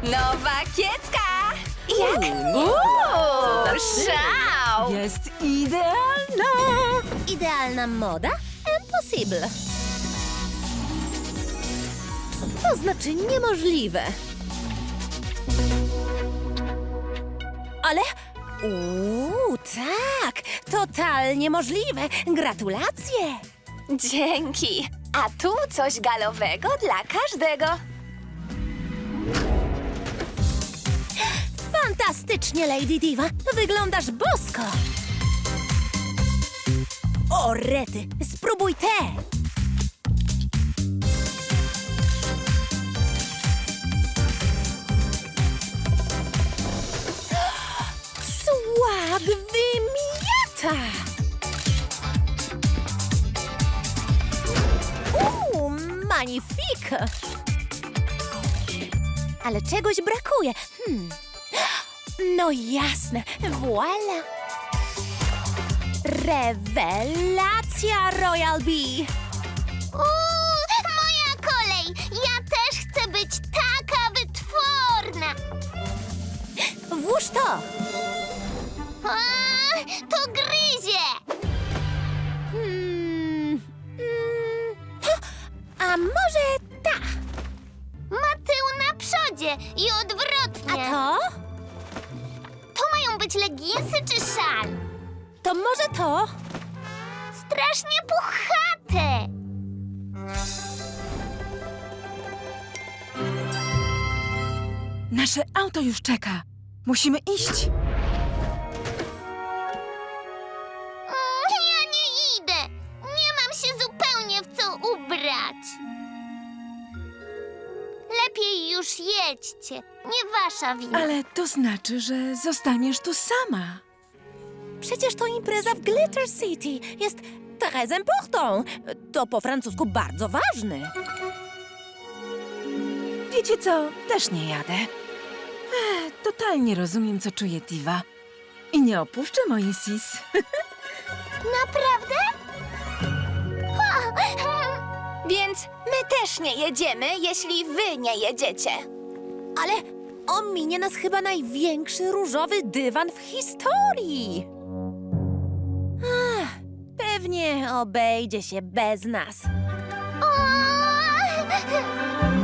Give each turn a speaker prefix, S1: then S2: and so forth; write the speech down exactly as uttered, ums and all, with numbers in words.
S1: Nowa kiecka! Jak?
S2: Uuu,
S1: Uuu, szał!
S2: Jest idealna!
S3: Idealna moda? Impossible. To znaczy niemożliwe. Ale... Uuu, tak! Totalnie możliwe! Gratulacje!
S1: Dzięki! A tu coś galowego dla każdego.
S3: Fantastycznie, Lady Diva! Wyglądasz bosko! O, rety! Spróbuj te! Swag wymiata! Uuu, magnifik! Ale czegoś brakuje. Hmm. No jasne, voila! Rewelacja, Royal Bee!
S4: Uuu, moja kolej! Ja też chcę być taka wytworna!
S3: Włóż to!
S4: A, to gryzie!
S3: Hmm. Mm. Ha, a może ta?
S4: Ma tył na przodzie i
S3: A
S4: odwrotnie.
S3: to?
S4: To mają być leginsy czy szal?
S3: To może to?
S4: Strasznie puchate!
S2: Nasze auto już czeka. Musimy iść.
S4: Mm, ja nie idę! Nie mam się zupełnie w co ubrać. Lepiej już jedźcie. Nie wasza wina.
S2: Ale to znaczy, że zostaniesz tu sama.
S3: Przecież to impreza w Glitter City. Jest très important. To po francusku bardzo ważny.
S2: Wiecie co? Też nie jadę. Ech, totalnie rozumiem, co czuje Diva. I nie opuszczę mojej sis.
S4: Naprawdę?
S1: Więc my też nie jedziemy, jeśli wy nie jedziecie.
S3: Ale ominie nas chyba największy różowy dywan w historii. Ach, pewnie obejdzie się bez nas.
S4: O!